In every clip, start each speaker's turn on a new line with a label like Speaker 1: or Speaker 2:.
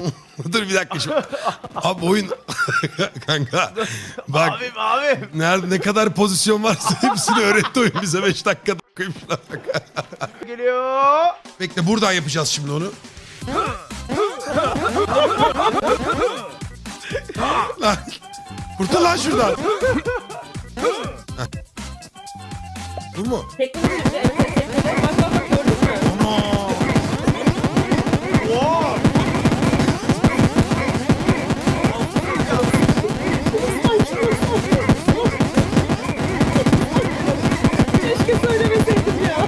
Speaker 1: Dur bir dakika şimdi. Abi oyun kanka. Bak
Speaker 2: Abim.
Speaker 1: nerede ne kadar pozisyon varsa hepsini öğretti oyun bize 5 dakikada koyayım şuna bak.
Speaker 2: Geliyor.
Speaker 1: Bekle buradan yapacağız şimdi onu. Lan kurtul lan şuradan. Heh. Bu mu?
Speaker 3: Teknoloji. Bak gördün mü?
Speaker 1: Ana.
Speaker 3: Keşke söylemeseydim ya.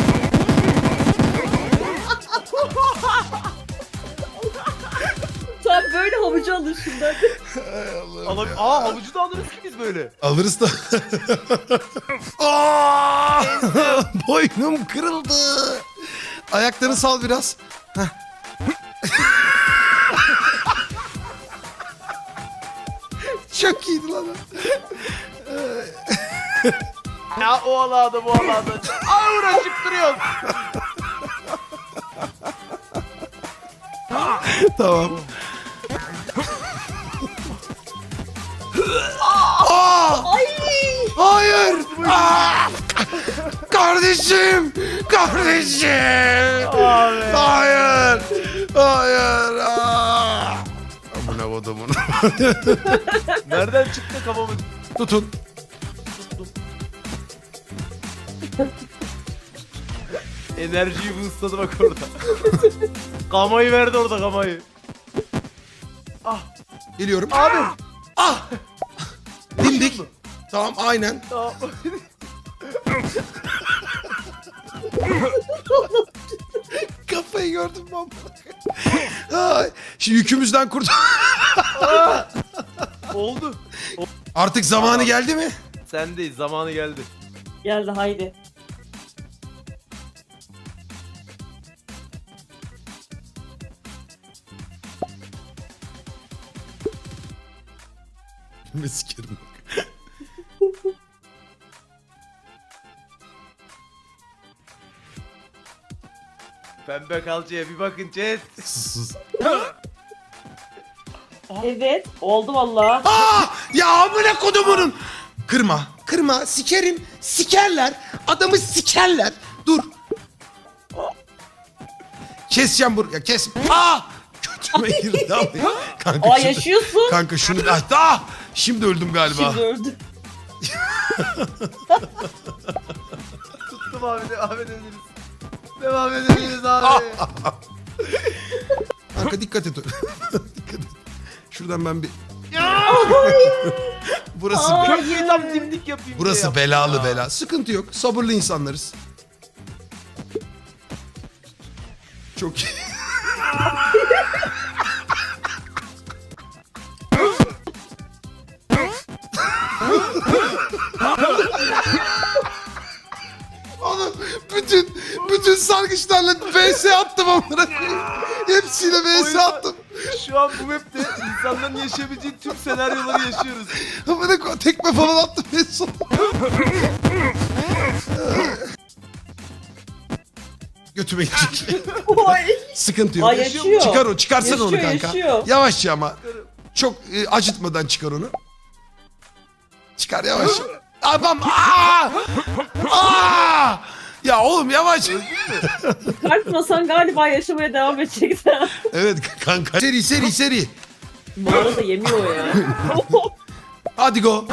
Speaker 3: Tam böyle havucu alır şimdi hadi.
Speaker 2: Havucu da alırız ki biz böyle.
Speaker 1: Alırız da. Aa! Boynum kırıldı. Ayaklarını sal biraz. Heh. Çok iyiydi lan.
Speaker 2: Ya o alanda bu alanda. Uğraşıp duruyoruz.
Speaker 1: Tamam. Aa!
Speaker 3: Ay!
Speaker 1: Hayır! Aa! Kardeşim! Kardeşim!
Speaker 2: Abi.
Speaker 1: Hayır! Hayır! Aa! Amına kodumun.
Speaker 2: Nereden çıktı kafamız?
Speaker 1: Tutun.
Speaker 2: Enerjiyi boostladı bak orada. Kamayı verdi orada kamayı.
Speaker 1: Geliyorum.
Speaker 2: Abi.
Speaker 1: Ah! Dimdik. Tamam aynen.
Speaker 2: Tamam.
Speaker 1: Kafayı gördüm ben. Ay, şimdi yükümüzden kurt.
Speaker 2: Oldu.
Speaker 1: Artık zamanı geldi mi?
Speaker 2: Sendeyiz, zamanı geldi.
Speaker 3: Geldi haydi.
Speaker 1: Ne sikerim.
Speaker 2: Pembe kalçaya bir bakın chat.
Speaker 1: Sus.
Speaker 3: Evet oldu valla.
Speaker 1: Ya amına kodumunun. Kırma. Kırma. Sikerim. Sikerler. Adamı sikerler. Dur. Keseceğim buraya. Kes. Kötüme girdi abi. Kanka,
Speaker 3: Aa
Speaker 1: şunu-
Speaker 3: yaşıyorsun.
Speaker 1: Kanka şunu... Şimdi öldüm galiba.
Speaker 3: Şimdi öldü.
Speaker 2: Tuttum abi, devam edebiliriz. Devam edebiliriz abi.
Speaker 1: Kanka dikkat et. Dikkat et. Şuradan ben bir... Burası
Speaker 2: Köprüyü tam dimdik yapayım
Speaker 1: burası
Speaker 2: diye
Speaker 1: belalı
Speaker 2: yaptım ya.
Speaker 1: bela. Sıkıntı yok. Sabırlı insanlarız. Çok iyi. Oğlum bütün sargıçlarla VS attım onlara. Hepsiyle VS
Speaker 2: Oyunda-
Speaker 1: attım.
Speaker 2: Şu an bu map'te insanların yaşayabileceği tüm senaryoları yaşıyoruz.
Speaker 1: Amına tekme falan attım en son. Götüme girecek.
Speaker 3: Oy.
Speaker 1: Sıkıntı yok.
Speaker 3: Aa, yaşıyor.
Speaker 1: Çıkar o, çıkarsana onu
Speaker 3: Yaşıyor,
Speaker 1: kanka.
Speaker 3: yaşıyor.
Speaker 1: Yavaşça ama. Çok acıtmadan çıkar onu. Çıkar yavaş. Abam. Ya oğlum yavaş.
Speaker 3: Kalkmasan galiba yaşamaya devam edecekti.
Speaker 1: Evet kanka. Seri.
Speaker 3: Bu arada yemiyor ya.
Speaker 1: Hadi go.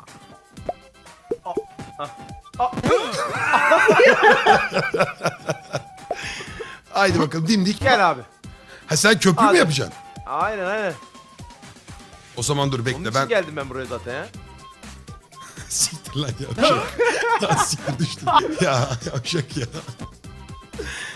Speaker 1: Haydi bakalım dimdik.
Speaker 2: Gel abi.
Speaker 1: Ha sen köprü mü
Speaker 2: Hadi.
Speaker 1: yapacaksın?
Speaker 2: Aynen.
Speaker 1: O zaman dur
Speaker 2: Onun
Speaker 1: bekle
Speaker 2: için
Speaker 1: ben.
Speaker 2: geldim ben buraya zaten ya.
Speaker 1: Siktir lan yavşak. Ya siktir düştüm. Ya yavşak ya.